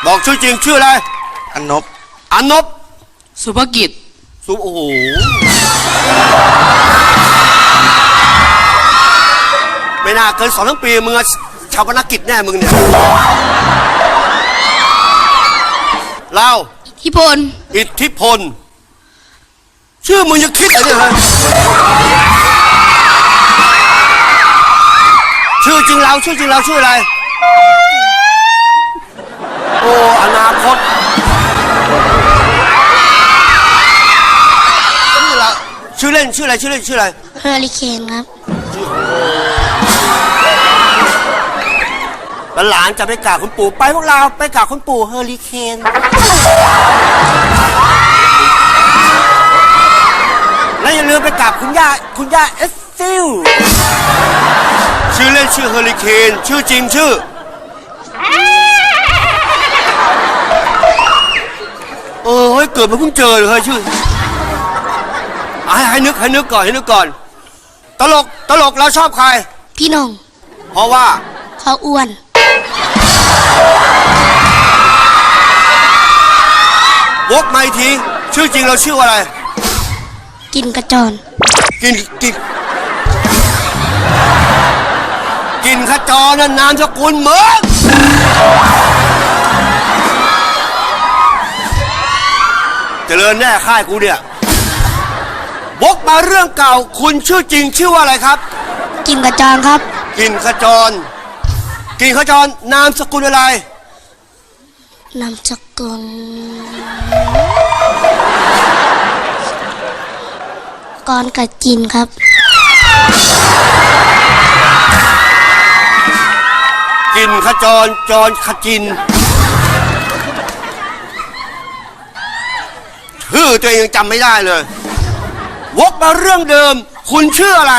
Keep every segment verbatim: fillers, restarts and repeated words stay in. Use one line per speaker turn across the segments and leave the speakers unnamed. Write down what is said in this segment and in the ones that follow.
บอกชื่อจริงชื่ออะไร
อนนบ
อนนบ
สุภกิจ
สุโอ้โหไม่น่าเกินสองทั้งปีมึงชาวพนักกิจแน่มึงเนี่ยเรา
อิทธิพล
อิทธิพลชื่อมึงจะคิดอะไรเนี่ยฮะชื่อจริงเราชื่อจริงเราชื่ออะไรโอ้อนาคตชื่อเราชื่อเล่นชื่ออะไรชื่อเล่นชื่ออะไร
เฮอริเคนครับ
หลานจะไปกราบคุณปู่ไปพวกเราไปกราบคุณปู่เฮอริเคนและอย่าลืมไปกราบคุณย่าคุณย่าเอสซิลชื่อเล่นชื่อเฮอริเคนชื่อจริงชื่อเออเฮ้ยเกิดมาเพิ่งเจอเลยชื่อให้ให้นึกให้นึกก่อนให้นึกก่อนตลกตลกเราชอบใคร
พี่น้อง
เพราะว่า
เขาอ้วน
วกมาอีกทีชื่อจริงเราชื่ออะไร
กินกระจร
กินกินกินขจรนั่นนามสกุลเหมือนเจริญแน่ค่ายกูเนี่ยวกมาเรื่องเก่าคุณชื่อจริงชื่อว่าอะไรครับ
กินกระจรครับ
กินขจรกินขจรนามสกุลอะไร
นามสกุลกรกับจินครับ
กินขจรจรขจินชื่อตัวเองยังจำไม่ได้เลยวกมาเรื่องเดิมคุณชื่ออะไร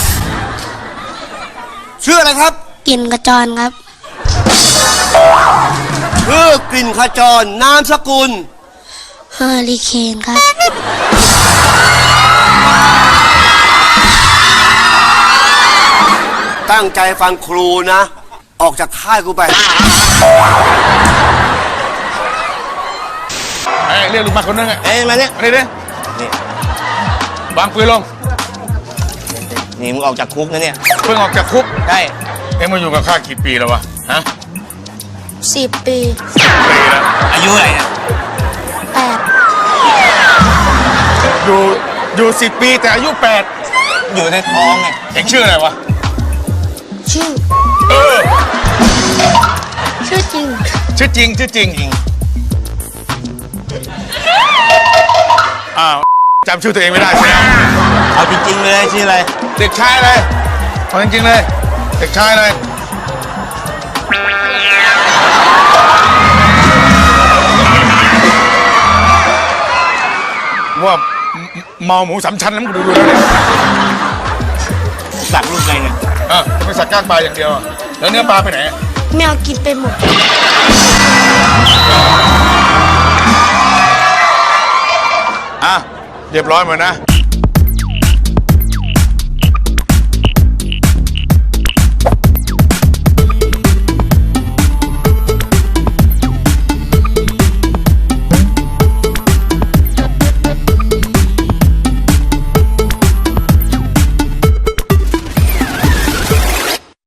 ชื่ออะไรครับ
กินกระจรครับ
ชื่อกลิ่นขจรนามสกุล
เฮอริเคนครับ
ตั้งใจฟังครูนะออกจากค่ายกูไป
เอ้ยเรียกลูกมาคนนึงอ่ะ
เอ้ยมาเนี่ย
มาดิดินี่วางปืนลง
นี่มึงออกจากคุกนะเนี่ย
เพิ่งออกจากคุก
ใช่
เอ็งมาอยู่กับข้ากี่ปีแล้ววะฮะ
สิบปี
สิบปีแล้ว
อายุอะไรเนี่ย
แปด
อยู่อยู่สิบปีแต่อายุแปด
อยู่ในท้องไง
เอ็งชื่ออะไรวะ
ชื่อ
เออ
ชื่อจริง
ชื่อจริงชื่อจริงอ้าวจำชื่อตัวเองไม่ได้ใช่ไหม
เอาจริงๆเลยชื่ออะไร
เด็กชายเลยเอาจริงๆเลยเด็กชายเลยว่าเมาหมูสามชั้นแล้วมึงดูดูแล้วเนี่ย
สักลูกไงเนี่ย
เออจะไปสักก้างปลาอย่างเดียวแล้วเนื้อปลาไปไหน
แมวกินไปหมด
อ่ะเรียบร้อยหมดนะ